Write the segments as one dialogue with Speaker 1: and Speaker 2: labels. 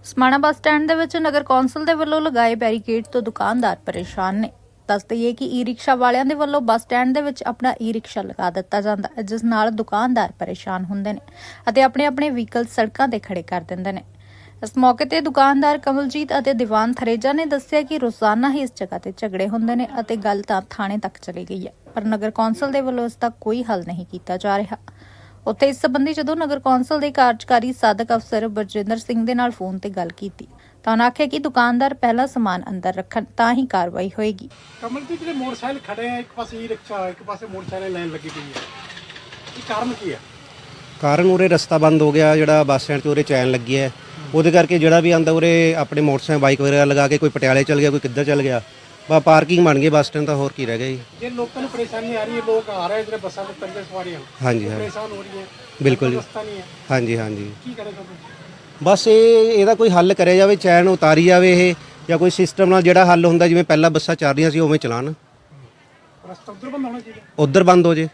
Speaker 1: Samana bus stand ਦੇ ਵਿੱਚ ਨਗਰ council ਦੇ ਵੱਲੋਂ ਲਗਾਏ ਬੈਰੀਕੇਡ ਤੋਂ ਦੁਕਾਨਦਾਰ ਪਰੇਸ਼ਾਨ ਨੇ। ਦੱਸ ਦਈਏ ਕਿ ਈ-ਰਿਕਸ਼ਾ ਵਾਲਿਆਂ ਦੇ ਵੱਲੋਂ ਬੱਸ ਸਟੈਂਡ ਦੇ ਵਿੱਚ ਆਪਣਾ ਈ-ਰਿਕਸ਼ਾ ਲਗਾ ਦਿੱਤਾ ਜਾਂਦਾ ਹੈ, ਜਿਸ ਨਾਲ ਦੁਕਾਨਦਾਰ ਪਰੇਸ਼ਾਨ ਹੁੰਦੇ ਨੇ ਅਤੇ ਆਪਣੇ ਵਹੀਕਲ ਸੜਕਾਂ ਤੇ ਖੜੇ ਕਰ ਦਿੰਦੇ ਨੇ। ਇਸ ਮੌਕੇ ਤੇ ਦੁਕਾਨਦਾਰ ਕਮਲਜੀਤ ਅਤੇ ਦੀਵਾਨ ਥਰੇਜਾ ਨੇ ਦੱਸਿਆ ਕਿ ਰੋਜ਼ਾਨਾ ਹੀ ਇਸ ਜਗ੍ਹਾ ਤੇ ਝਗੜੇ ਹੁੰਦੇ ਨੇ ਅਤੇ ਗੱਲ ਤਾਂ ਥਾਣੇ ਤੱਕ ਚਲੀ ਗਈ ਹੈ, ਪਰ ਨਗਰ ਕੌਂਸਲ ਦੇ ਵੱਲੋਂ ਇਸ ਦਾ ਕੋਈ ਹੱਲ ਨਹੀਂ ਕੀਤਾ ਜਾ ਰਿਹਾ। ਉੱਥੇ ਇਸ ਸੰਬੰਧੀ ਜਦੋਂ ਨਗਰ ਕੌਂਸਲ ਦੇ ਕਾਰਜਕਾਰੀ ਸਾਧਕ ਅਫਸਰ ਬਰਜਿੰਦਰ ਸਿੰਘ ਦੇ ਨਾਲ ਫੋਨ ਤੇ ਗੱਲ ਕੀਤੀ ਤਾਂ ਉਹਨਾਂ ਆਖਿਆ ਕਿ ਦੁਕਾਨਦਾਰ ਪਹਿਲਾ ਸਮਾਨ ਅੰਦਰ ਰੱਖਣ ਤਾਂ ਹੀ ਕਾਰਵਾਈ ਹੋਏਗੀ।
Speaker 2: ਕਮਲਜੀਤ ਜਿਹੜੇ ਮੋਟਰਸਾਈਕਲ ਖੜੇ ਆ, ਇੱਕ ਪਾਸੇ ਈ-ਰਿਕਸ਼ਾ ਇੱਕ ਪਾਸੇ ਮੋਟਰਸਾਈਕਲ ਲਾਈਨ ਲੱਗੀ ਪਈ ਹੈ, ਇਹ ਕਾਰਨ ਕੀ ਹੈ?
Speaker 3: ਕਾਰਨ ਉਰੇ ਰਸਤਾ ਬੰਦ ਹੋ ਗਿਆ, ਜਿਹੜਾ ਬੱਸ ਸਟੈਂਡ 'ਤੇ ਉਰੇ ਚੈਨ ਲੱਗੀ ਹੈ, ਉਹਦੇ ਕਰਕੇ ਜਿਹੜਾ ਵੀ ਆਂਦਾ ਉਰੇ ਆਪਣੇ ਮੋਟਰਸਾਈਕਲ ਬਾਈਕ ਵਗੈਰਾ ਲਗਾ ਕੇ ਕੋਈ ਪਟਿਆਲੇ ਚਲ ਗਿਆ, ਕੋਈ ਕਿੱਧਰ ਚਲ ਗਿਆ। ਬਾ ਪਾਰਕਿੰਗ ਬਣ ਗਈ ਬੱਸ ਸਟੈਂਡ, ਤਾਂ ਹੋਰ ਕੀ ਰਹਿ ਗਿਆ ਜੀ।
Speaker 2: ਜੇ ਲੋਕਾਂ ਨੂੰ ਪਰੇਸ਼ਾਨੀ ਆ ਰਹੀ ਹੈ, ਲੋਕ ਆ ਰਹੇ ਜਿਹੜੇ ਬੱਸਾਂ ਦੇ ਤੰਗੇ ਸਵਾਰੀਆਂ
Speaker 3: ਹਾਂਜੀ ਹਾਂ,
Speaker 2: ਪਰੇਸ਼ਾਨ ਹੋ ਰਹੀ ਹੈ,
Speaker 3: ਬਿਲਕੁਲ ਜੀ।
Speaker 2: ਰਸਤਾ ਨਹੀਂ ਹੈ,
Speaker 3: ਹਾਂਜੀ ਹਾਂਜੀ,
Speaker 2: ਕੀ ਕਰੇ ਤੁਹਾਨੂੰ?
Speaker 3: ਬਸ ਇਹਦਾ ਕੋਈ ਹੱਲ ਕਰਿਆ ਜਾਵੇ, ਚੈਨ ਉਤਾਰੀ ਜਾਵੇ ਇਹ, ਜਾਂ ਕੋਈ ਸਿਸਟਮ ਨਾਲ ਜਿਹੜਾ ਹੱਲ ਹੁੰਦਾ, ਜਿਵੇਂ ਪਹਿਲਾਂ ਬੱਸਾਂ ਚੱਲ ਰਹੀਆਂ ਸੀ ਉਵੇਂ ਚਲਾਉਣ,
Speaker 2: ਰਸਤਾ ਉਧਰ ਬੰਦ ਹੋਣਾ ਚਾਹੀਦਾ,
Speaker 3: ਉੱਧਰ ਬੰਦ ਹੋ ਜੇ।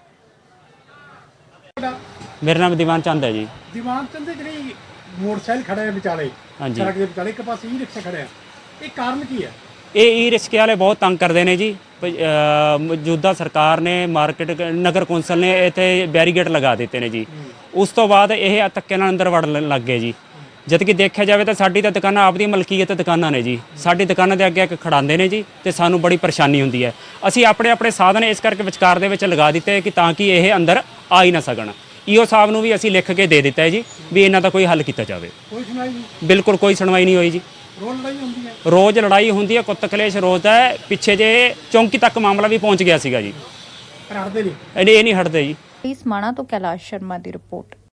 Speaker 4: मेरा नाम दीवान चंद है जी।
Speaker 2: ਦੀਵਾਨ ਚੰਦ ਦੇ ਜਿਹੜੇ ਮੋਟਰਸਾਈਕਲ ਖੜੇ ਆ ਵਿਚਾਲੇ,
Speaker 4: ਹਾਂਜੀ।
Speaker 2: ਸੜਕ ਦੇ ਵਿਚਾਲੇ, ਇੱਕ ਪਾਸੇ ਈ-ਰਿਕਸ਼ਾ ਖੜੇ ਆ, ਇਹ ਕਾਰਨ ਕੀ ਹੈ?
Speaker 4: ਇਹ ਈ ਰਿਕਸ਼ੇ ਵਾਲੇ ਬਹੁਤ ਤੰਗ ਕਰਦੇ ਨੇ ਜੀ। ਮੌਜੂਦਾ ਸਰਕਾਰ ਨੇ ਮਾਰਕੀਟ ਨਗਰ ਕੌਂਸਲ ਨੇ ਇੱਥੇ ਬੈਰੀਗੇਡ ਲਗਾ ਦਿੱਤੇ ਨੇ ਜੀ। ਉਸ ਤੋਂ ਬਾਅਦ ਇਹ ਧੱਕੇ ਨਾਲ ਅੰਦਰ ਵੜਨ ਲੱਗ ਗਏ ਜੀ। ਜਦ ਕਿ ਦੇਖਿਆ ਜਾਵੇ ਤਾਂ ਸਾਡੀ ਤਾਂ ਦੁਕਾਨਾਂ ਆਪਦੀ ਮਲਕੀਅਤ ਦੁਕਾਨਾਂ ਨੇ ਜੀ। ਸਾਡੀ ਦੁਕਾਨਾਂ ਦੇ ਅੱਗੇ ਖੜਾਉਂਦੇ ਨੇ ਜੀ ਤੇ ਸਾਨੂੰ ਬੜੀ ਪਰੇਸ਼ਾਨੀ ਹੁੰਦੀ ਹੈ। ਅਸੀਂ ਆਪਣੇ ਸਾਧਨ ਇਸ ਕਰਕੇ ਵਿਚਕਾਰ ਦੇ ਵਿੱਚ ਲਗਾ ਦਿੱਤੇ ਕਿ ਤਾਂ ਕਿ ਇਹ ਅੰਦਰ ਆ ਹੀ ਨਾ ਸਕਣ। ਈਓ ਸਾਹਿਬ ਨੂੰ ਵੀ ਅਸੀਂ ਲਿਖ ਕੇ ਦੇ ਦਿੱਤਾ ਹੈ ਜੀ ਵੀ ਇਹਨਾਂ ਦਾ ਕੋਈ ਹੱਲ ਕੀਤਾ ਜਾਵੇ।
Speaker 2: ਕੋਈ ਸੁਣਾਈ ਨਹੀਂ,
Speaker 4: ਬਿਲਕੁਲ ਕੋਈ ਸੁਣਵਾਈ ਨਹੀਂ ਹੋਈ ਜੀ।
Speaker 2: ਰੋਜ਼ ਲੜਾਈ ਹੁੰਦੀ ਹੈ,
Speaker 4: ਰੋਜ਼ ਲੜਾਈ ਹੁੰਦੀ ਹੈ, ਕੁੱਤ ਕਲੇਸ਼ ਰੋਜ਼ ਦਾ ਹੈ। ਪਿੱਛੇ ਜੇ ਚੌਂਕੀ ਤੱਕ ਮਾਮਲਾ ਵੀ ਪਹੁੰਚ ਗਿਆ ਸੀਗਾ ਜੀ।
Speaker 2: ਪਰ ਹਟਦੇ ਨਹੀਂ।
Speaker 4: ਇਹ ਨਹੀਂ ਹਟਦੇ ਜੀ।
Speaker 1: ਸਮਾਣਾ ਤੋਂ ਕੈਲਾਸ਼ ਸ਼ਰਮਾ ਦੀ ਰਿਪੋਰਟ।